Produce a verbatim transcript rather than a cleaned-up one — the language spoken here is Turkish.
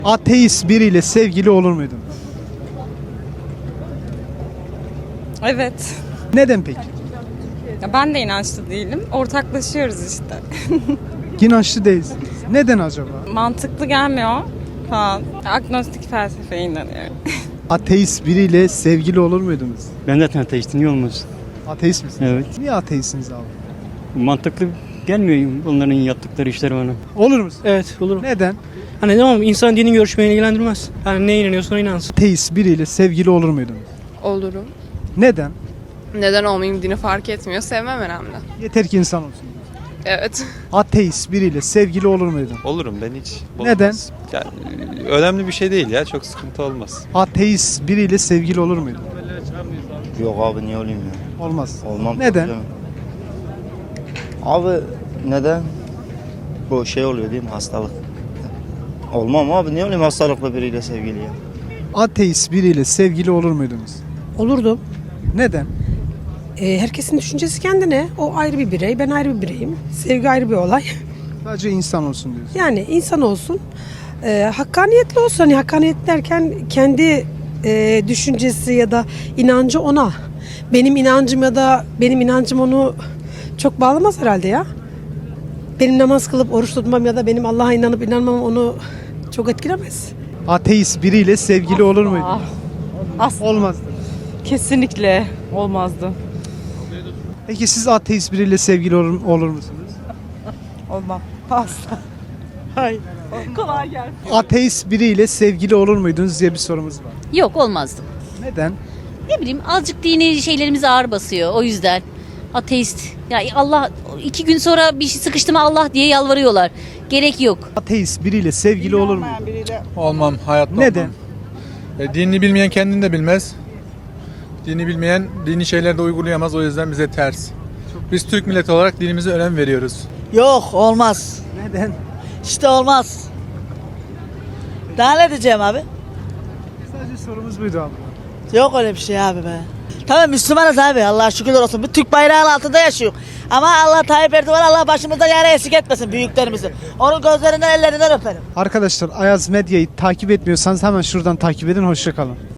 Ateist biriyle sevgili olur muydunuz? Evet. Neden peki? Ya ben de inançlı değilim. Ortaklaşıyoruz işte. İnançlı değilsiniz. Neden acaba? Mantıklı gelmiyor falan. Agnostik felsefeye inanıyorum. Ateist biriyle sevgili olur muydunuz? Ben zaten ateistim, niye olmaz? Ateist misiniz? Evet. Niye ateistsiniz abi? Mantıklı gelmiyor onların yaptıkları işler bana. Olur musun? Evet olur. Neden? Hani tamam insan dinin görüşmeyi ilgilendirmez. Yani ne inanıyorsan inansın. Ateist biriyle sevgili olur muydunuz? Olurum. Neden? Neden olmayayım, dini fark etmiyor. Sevmem önemli. Yeter ki insan olsun. Evet. Ateist biriyle sevgili olur muydun? Olurum ben hiç. Olmaz. Neden? Yani, önemli bir şey değil ya. Çok sıkıntı olmaz. Ateist biriyle sevgili olur muydun? Yok abi niye olayım ya? Olmaz. Olmam. Neden? tabii canım. Abi neden? Bu şey oluyor değil mi hastalık? Olmam abi niye olayım hastalıklı biriyle sevgili ya? Ateist biriyle sevgili olur muydunuz? Olurdum. Neden? Ee, herkesin düşüncesi kendine. O ayrı bir birey, ben ayrı bir bireyim. Sevgi ayrı bir olay. Sadece insan olsun diyorsun. Yani insan olsun. Ee, hakkaniyetli olsun. Hani hakkaniyet derken kendi e, düşüncesi ya da inancı ona. Benim inancım ya da benim inancım onu çok bağlamaz herhalde ya. Benim namaz kılıp oruç tutmam ya da benim Allah'a inanıp inanmam onu çok etkilemez. Ateist biriyle sevgili olur muydun? Asla. Olmazdı. Kesinlikle olmazdı. Peki siz ateist biriyle sevgili olur, olur musunuz? Olmam. Asla. Hayır. Kolay gelsin. Ateist biriyle sevgili olur muydunuz diye bir sorumuz var. Yok olmazdım. Neden? Ne bileyim azıcık dini şeylerimiz ağır basıyor o yüzden. Ateist. Ya Allah iki gün sonra bir şey sıkıştı mı Allah diye yalvarıyorlar. Gerek yok. Ateist biriyle sevgili olur mu? Olmam, hayatta Neden? olmam. E, dinini bilmeyen kendini de bilmez. Dini bilmeyen dini şeyleri de uygulayamaz, o yüzden bize ters. Biz Türk milleti olarak dinimize önem veriyoruz. Yok olmaz. Neden? İşte olmaz. Daha ne diyeceğim abi? Sadece sorumuz buydu abi. Yok öyle bir şey abi be. Tamam Müslümanız abi Allah'a şükürler olsun. Bir Türk bayrağının altında yaşıyor. Ama Allah Tayyip Erdoğan Allah başımızda yara eksik etmesin büyüklerimizi. Onun gözlerinden ellerinden öperim. Arkadaşlar Ayaz Medya'yı takip etmiyorsanız hemen şuradan takip edin. Hoşça kalın.